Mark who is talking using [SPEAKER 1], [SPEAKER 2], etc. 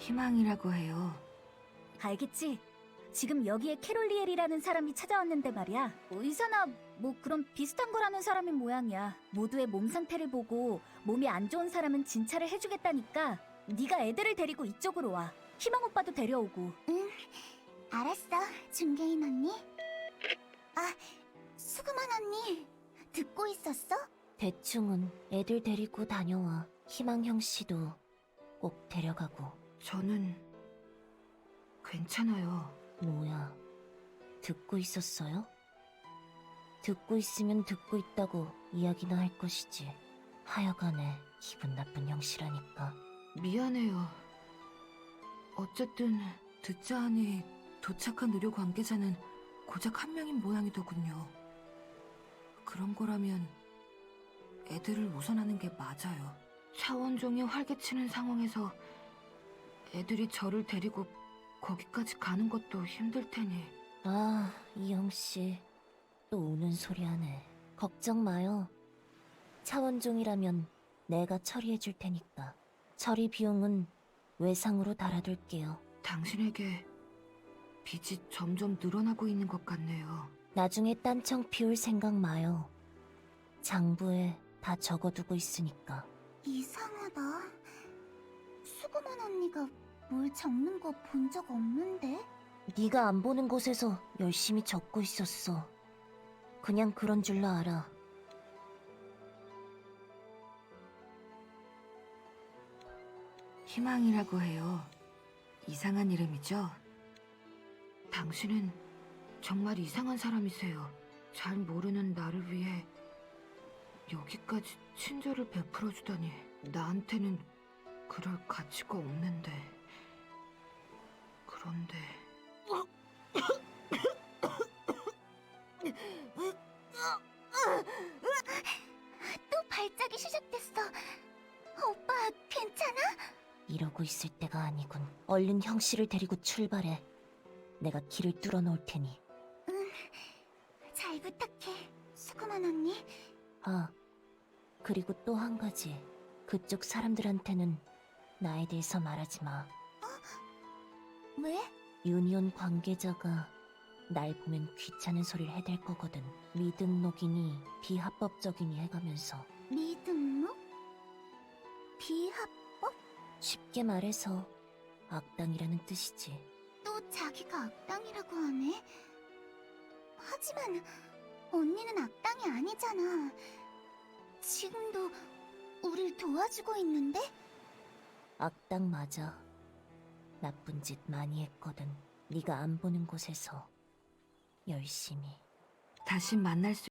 [SPEAKER 1] 희망이라고 해요.
[SPEAKER 2] 알겠지? 지금 여기에 캐롤리엘이라는 사람이 찾아왔는데 말이야. 의사나 뭐 그런 비슷한 거라는 사람인 모양이야. 모두의 몸 상태를 보고 몸이 안 좋은 사람은 진찰을 해주겠다니까 네가 애들을 데리고 이쪽으로 와. 희망 오빠도 데려오고.
[SPEAKER 3] 응, 알았어, 중개인 언니. 아, 수그만 언니, 듣고 있었어?
[SPEAKER 4] 대충은 애들 데리고 다녀와. 희망형 씨도 꼭 데려가고.
[SPEAKER 1] 저는 괜찮아요.
[SPEAKER 4] 뭐야, 듣고 있었어요? 듣고 있으면 듣고 있다고 이야기나 할 것이지. 하여간에 기분 나쁜 형씨라니까.
[SPEAKER 1] 미안해요. 어쨌든 듣자 하니 도착한 의료 관계자는 고작 한 명인 모양이더군요. 그런 거라면 애들을 우선하는 게 맞아요. 차원종이 활개치는 상황에서 애들이 저를 데리고 거기까지 가는 것도 힘들 테니.
[SPEAKER 4] 아, 이 형씨 또 우는 소리 하네. 걱정 마요. 차원종이라면 내가 처리해 줄 테니까. 처리 비용은 외상으로 달아둘게요.
[SPEAKER 1] 당신에게 빚이 점점 늘어나고 있는 것 같네요.
[SPEAKER 4] 나중에 딴청 피울 생각 마요. 장부에 다 적어두고 있으니까.
[SPEAKER 3] 이상하다. 수그만 언니가 뭘 적는 거 본 적 없는데?
[SPEAKER 4] 네가 안 보는 곳에서 열심히 적고 있었어. 그냥 그런 줄로 알아.
[SPEAKER 1] 희망이라고 해요. 이상한 이름이죠? 당신은 정말 이상한 사람이세요. 잘 모르는 나를 위해 여기까지 친절을 베풀어주다니. 나한테는 그럴 가치가 없는데. 그런데...
[SPEAKER 3] 또 발작이 시작됐어. 오빠, 괜찮아?
[SPEAKER 4] 이러고 있을 때가 아니군. 얼른 형씨를 데리고 출발해. 내가 길을 뚫어 놓을 테니.
[SPEAKER 3] 잘 부탁해, 수그만 언니.
[SPEAKER 4] 아, 그리고 또 한 가지. 그쪽 사람들한테는 나에 대해서 말하지 마.
[SPEAKER 3] 왜?
[SPEAKER 4] 유니온 관계자가 날 보면 귀찮은 소리를 해댈 거거든. 미등록이니 비합법적이니 해가면서.
[SPEAKER 3] 미등록? 비합법?
[SPEAKER 4] 쉽게 말해서 악당이라는 뜻이지.
[SPEAKER 3] 또 자기가 악당이라고 하네. 하지만 언니는 악당이 아니잖아. 지금도 우릴 도와주고 있는데?
[SPEAKER 4] 악당 맞아. 나쁜 짓 많이 했거든. 네가 안 보는 곳에서 열심히.
[SPEAKER 1] 다시 만날 수